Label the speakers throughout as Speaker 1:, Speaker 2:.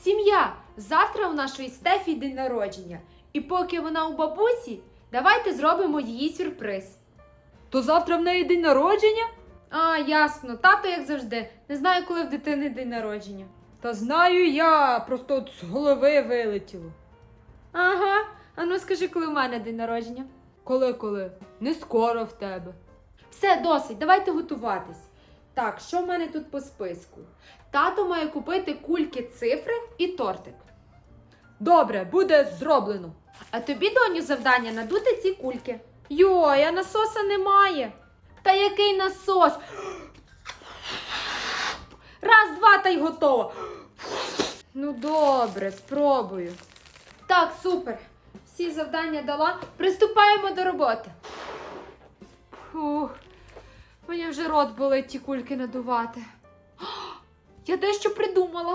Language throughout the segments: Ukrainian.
Speaker 1: Сім'я, завтра у нашої Стефі день народження. І поки вона у бабусі, давайте зробимо їй сюрприз.
Speaker 2: То завтра в неї день народження?
Speaker 1: А, ясно. Тато, як завжди, не знаю, коли в дитини день народження.
Speaker 2: Та знаю я, просто от з голови вилетіло.
Speaker 1: Ага, а ну скажи, коли в мене день народження.
Speaker 2: Коли? Не скоро в тебе.
Speaker 1: Все, досить, давайте готуватись. Так, що в мене тут по списку? Тато має купити кульки, цифри і тортик.
Speaker 2: Добре, буде зроблено.
Speaker 1: А тобі, доню, завдання надути ці кульки. Йой, а насоса немає. Та який насос? Раз, два, та й готово. Ну добре, спробую. Так, супер. Всі завдання дала. Приступаємо до роботи. Фух, мені вже рот болить ті кульки надувати. Я дещо придумала.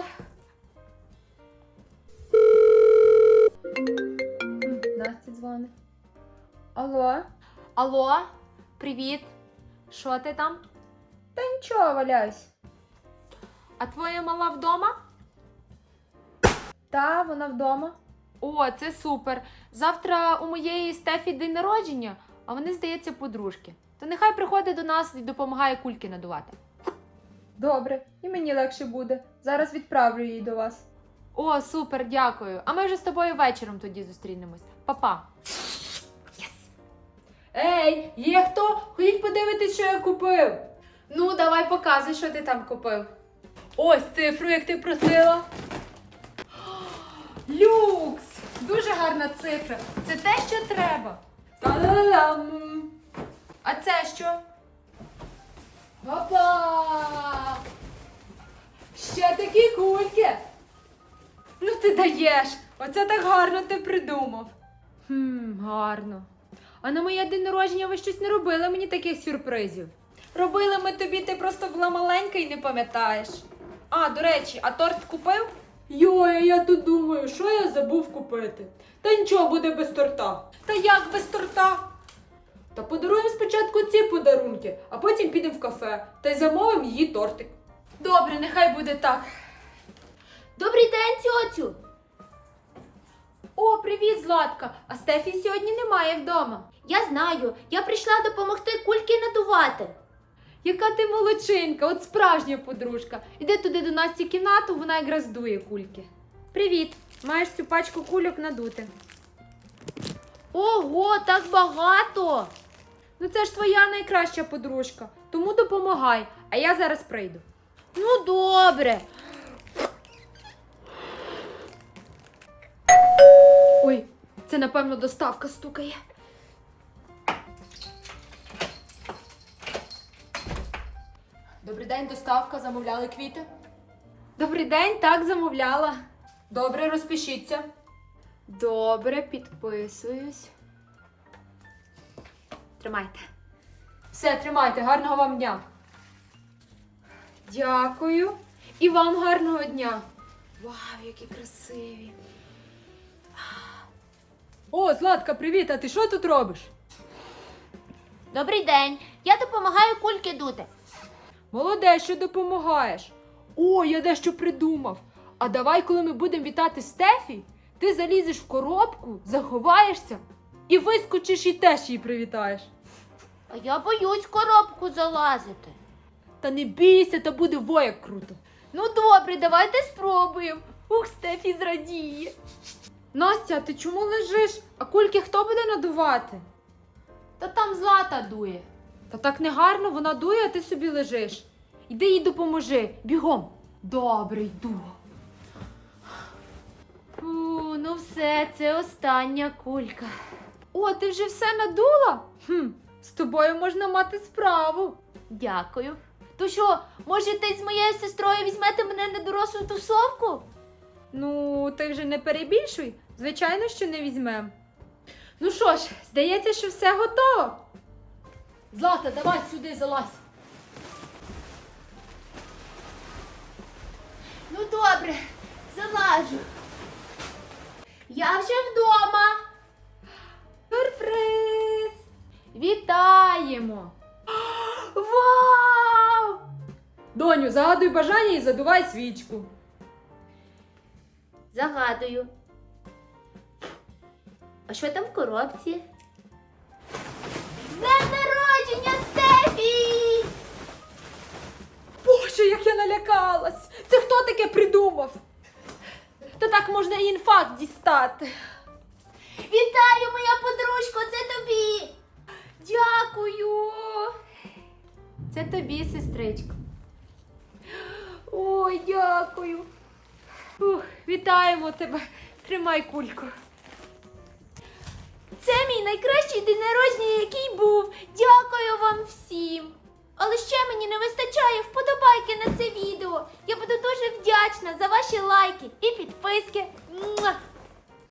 Speaker 1: Настя дзвонить. Алло? Алло? Привіт. Що ти там? Та нічого, валяюсь. А твоя мала вдома? Та, вона вдома. О, це супер. Завтра у моєї Стефі день народження, а вони, здається, подружки. То нехай приходить до нас і допомагає кульки надувати. Добре, і мені легше буде. Зараз відправлю її до вас. О, супер, дякую. А ми вже з тобою вечором тоді зустрінемось. Па-па.
Speaker 2: Ей, є хто? Ходіть подивитись, що я купив.
Speaker 1: Ну, давай показуй, що ти там купив.
Speaker 2: Ось цифру, як ти просила.
Speaker 1: Люкс! Дуже гарна цифра. Це те, що треба.
Speaker 2: Та-да-дам!
Speaker 1: А це що? Опа!
Speaker 2: Ще такі кульки.
Speaker 1: Ну ти даєш! Оце так гарно ти придумав. Гарно. А на моє день народження ви щось не робили мені таких сюрпризів? Робили ми тобі, ти просто була маленька і не пам'ятаєш. А, до речі, а торт купив?
Speaker 2: Йой, я тут думаю, що я забув купити. Та нічого, буде без торта.
Speaker 1: Та як без торта?
Speaker 2: Та подаруємо спочатку ці подарунки, а потім підемо в кафе та й замовимо її тортик.
Speaker 1: Добре, нехай буде так. Добрий день, тьоцю! О, привіт, Златка! А Стефі сьогодні немає вдома.
Speaker 3: Я знаю, я прийшла допомогти кульки надувати.
Speaker 1: Яка ти молодчинка, от справжня подружка. Іди туди до Насті в кімнату, вона якраз дує кульки. Привіт, маєш цю пачку кульок надути.
Speaker 3: Ого, так багато!
Speaker 1: Ну це ж твоя найкраща подружка, тому допомагай, а я зараз прийду.
Speaker 3: Ну добре.
Speaker 1: Ой, це напевно доставка стукає.
Speaker 2: Добрий день, доставка, замовляли квіти?
Speaker 1: Добрий день, так замовляла.
Speaker 2: Добре, розпишіться.
Speaker 1: Добре, підписуюсь. Тримайте.
Speaker 2: Все, тримайте, гарного вам дня.
Speaker 1: Дякую. І вам гарного дня. Вау, які красиві.
Speaker 2: О, Златка, привіт, а ти що тут робиш?
Speaker 3: Добрий день. Я допомагаю кульки дути.
Speaker 2: Молодець, що допомагаєш. О, я дещо придумав. А давай, коли ми будемо вітати Стефі, ти залізеш в коробку, заховаєшся і вискочиш і теж її привітаєш.
Speaker 3: А я боюсь в коробку залазити.
Speaker 2: Та не бійся, та буде вояк круто.
Speaker 1: Ну добре, давайте спробуємо. Ух, Стефі зрадіє. Настя, ти чому лежиш? А кульки хто буде надувати?
Speaker 3: Та там Злата дує.
Speaker 1: Та так не гарно, вона дує, а ти собі лежиш. Іди їй допоможи, бігом. Добре, йду.
Speaker 3: Фу, ну все, це остання кулька.
Speaker 1: О, ти вже все надула? З тобою можна мати справу.
Speaker 3: Дякую. То що, може ти з моєю сестрою візьмете мене на дорослу тусовку?
Speaker 1: Ну, ти вже не перебільшуй. Звичайно, що не візьмем. Ну що ж, здається, що все готово.
Speaker 2: Злата, давай сюди залазь.
Speaker 3: Ну добре, залажу. Я вже вдома.
Speaker 1: Сюрприз! Вітаємо! Вау!
Speaker 2: Доню, загадуй бажання і задувай свічку.
Speaker 3: Загадую. А що там в коробці? З днем народження, Стефі!
Speaker 2: Боже, як я налякалась! Це хто таке придумав? Та так можна і інфаркт дістати.
Speaker 3: Вітаю, моя подружко, це тобі! Дякую!
Speaker 1: Це тобі, сестричко.
Speaker 2: Ой, дякую. Вітаємо тебе. Тримай кульку.
Speaker 3: Це мій найкращий день народження, який був. Дякую вам всім. Але ще мені не вистачає вподобайки на це відео. Я буду дуже вдячна за ваші лайки і підписки. Муа!